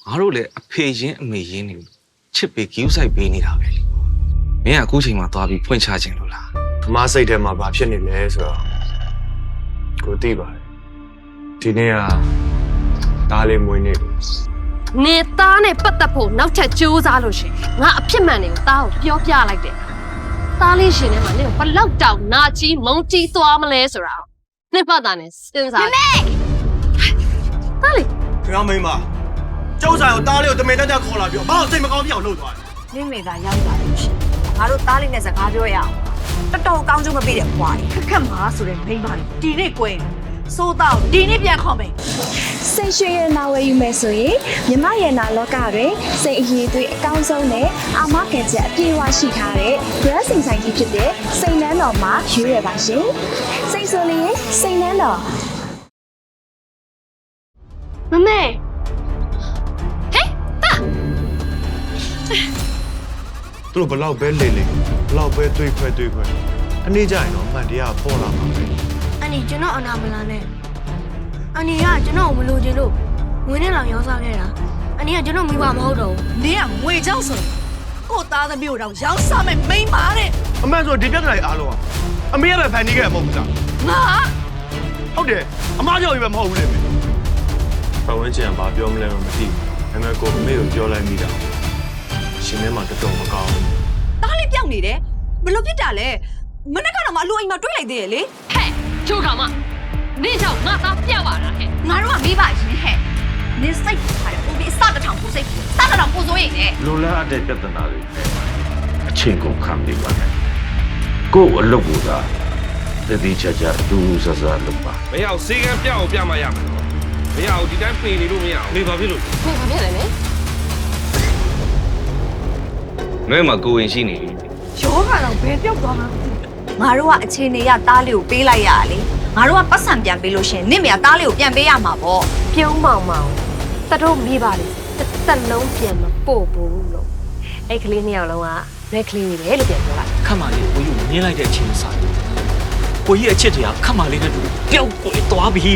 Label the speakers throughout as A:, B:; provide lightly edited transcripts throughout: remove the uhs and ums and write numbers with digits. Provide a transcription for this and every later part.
A: ငါတို့လည်းအဖေရင်းအမေရင်းနေချစ်ပေးဂိူးဆိုင်ပေးနေတာပဲလေမင်းကအခုချိန်မှာသွားပြီးဖွင့်ချခြင်းလို့လား
B: မစိတ်ထဲမှာဘာဖြစ်နေလဲဆိုတော့ကိုသိပါတယ်ဒီနေ့ကဒါလေးမွေးနေပြီ
C: နေသားနဲ့ပတ်သက်ဖို့နောက်ထပ်ကြိုးစားလို့ရှိရင်ငါအဖြစ်မှန်တွေကိုသားကိုပြောပြလိုက်တယ်သားလေးရှင်ထဲမှာနင်ဘလောက်တောင်နာကြီးမုန်းကြီးသွားမလဲဆိုတာနှစ်ပတ်သားနဲ့စဉ်းစားမေသားလေး
B: ခင်ဗျားမိန်းမကျုပ်ဆိုင်ကိုတားလေးကိုတမင်တက်တက်ခေါ်လာပြီးတော့ဘာလို့စိတ်မကောင်းပြအောင်လုပ်သွားလဲ
D: နင့်မေသာရောက်လာလို့ရှိရင်ငါတို့သားလေးနဲ့စကားပြောရအောင်တော်တော်ကောင်းကျိုးမပေးတဲ့ဘွားကြီးခက်မှာဆိုတဲ့မိန်းမလေးဒီနေ့ကွယ်စိုးတော့ဒီနေ့ပြန်ခေါ်မယ်
E: စိတ်ရွှင်ရနာဝယ်ယူမယ်ဆိုရင်မြမရနာလောကတွင်စိတ်အရေးသွေးအကောင်းဆုံးနဲ့အာမခံချက်အပြည့်အဝရှိထားတဲ့ brand စိန်ဆိုင်ကြီးဖြစ်တဲ့စိန်နန်းတော်မှာရွေးရပါရှင်စိတ်ဆိုလျင်စိန်နန်းတော်
C: မမေဟဲ့တာ
B: သူတို့ဘလောက်ပဲလေလေဘလောက်ပဲတွေးခွဲအနေကြရင်တော့အမှန်တရားပေါ်လာမှာပဲ
F: အန်ဒီကျွန်တော်အနာမလာနဲ့အန်ဒီကကျွန်တော်မလို့ချင်လို့ငွေနဲ့လောင်ရောစားခဲ့တာအန်ဒီကကျွန်တော်မိဘမဟုတ်တော့ဘူး
D: နင်ကငွေချောင်းဆိုရင်ကို့သားသမီးတို့တော့ရောင်းစားမယ်မိန်းမတဲ့
B: အမှန်ဆိုဒီပြဿနာကြီးအားလုံးကအမေကပဲဖန်တီးခဲ့ရမဟုတ်ဘူးလား
D: ငါ
B: ဟုတ်တယ်အမားကြောင့်ပဲမဟုတ်ဘူးလေမေပဝန်းကျင်ကဘာပြောမလဲမသိဘူးဒါပေမဲ့ကိုအမေကိုပြောလိုက်မိတာရှင်ထဲမှာတော်တော်မကောင်းဘူး
D: သားလေးပြောင်းနေတယ်ဘယ်လိုဖြစ်တာလဲမနေ့ကတော့မအလိုအိမ်မှာတွေးလိုက်သေးရဲ့လေ
C: ဟဲ့ချိုးကောင်မနေကြောင့်ငါသားပြတ်ပါလားဟဲ့
D: ငါတို့ကမိဘရှင်ဟဲ့နင်စိတ်ထားတယ်ဟိုဒီစတထောင်ကိုစိတ်စတထောင်ကိုစိုးရိမ်နေ
G: လိုလားတဲ့ပြဿနာတွေအချင်းကုန်ခံနေပါနဲ့ကို့အလုပ်ကိုသာတတိချာချာတူဆဆာလုပ်ပါ
A: မရအောင်စေကံပြအောင်ပြမရမှာမရအောင်ဒီတိုင်းပေနေလို့မရအောင်နေပါဖြစ်လို့
C: နေပါပြတယ်လေ
A: ငဲ့မှာကိုဝင်ရှိနေပြီ
D: ရောကတော့ဘယ်ပြောက်သွားမှန်းမသိငါတို့ကအခြေအနေရသားလေးကိုပေးလိုက်ရတာလေငါတို့ကပတ်စံပြန်ပေးလို့ရှင်နင့်မေကသားလေးကိုပြန်ပေးရမှာပေါ့
C: ပြုံးမောင်မောင်တတို့မိပါလေတစ်လုံးပြန်မပို့ဘူးလို့အဲ့ကလေးနှစ်ယောက်လုံးကဘက်ကလေးတွေလို့ပြန်ပြောလိုက်
H: ခတ်မာလေးကိုယူမြင်လိုက်တဲ့အချိန်စားကိုကြီးအချစ်တရားခတ်မာလေးနဲ့တူပျောက်ကွယ်သွားပြီ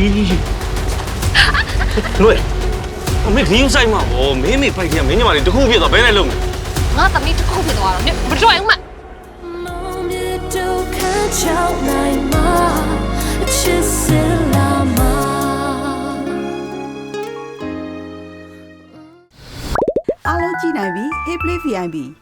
H: လွယ်အမေဂင်းဆိုင်မှာဗောမင်းမေပိုက်ကြီးကမင်းညီမလေးတခုဖြစ်သွားဘယ်နဲ့လုံးမလဲ
C: ငါသမီးတစ်ခုဖြစ်သွားတော့မတွေ့အောင်မ
I: အားလုံးကြည့်နိုင်ပြီ Hey Play VIP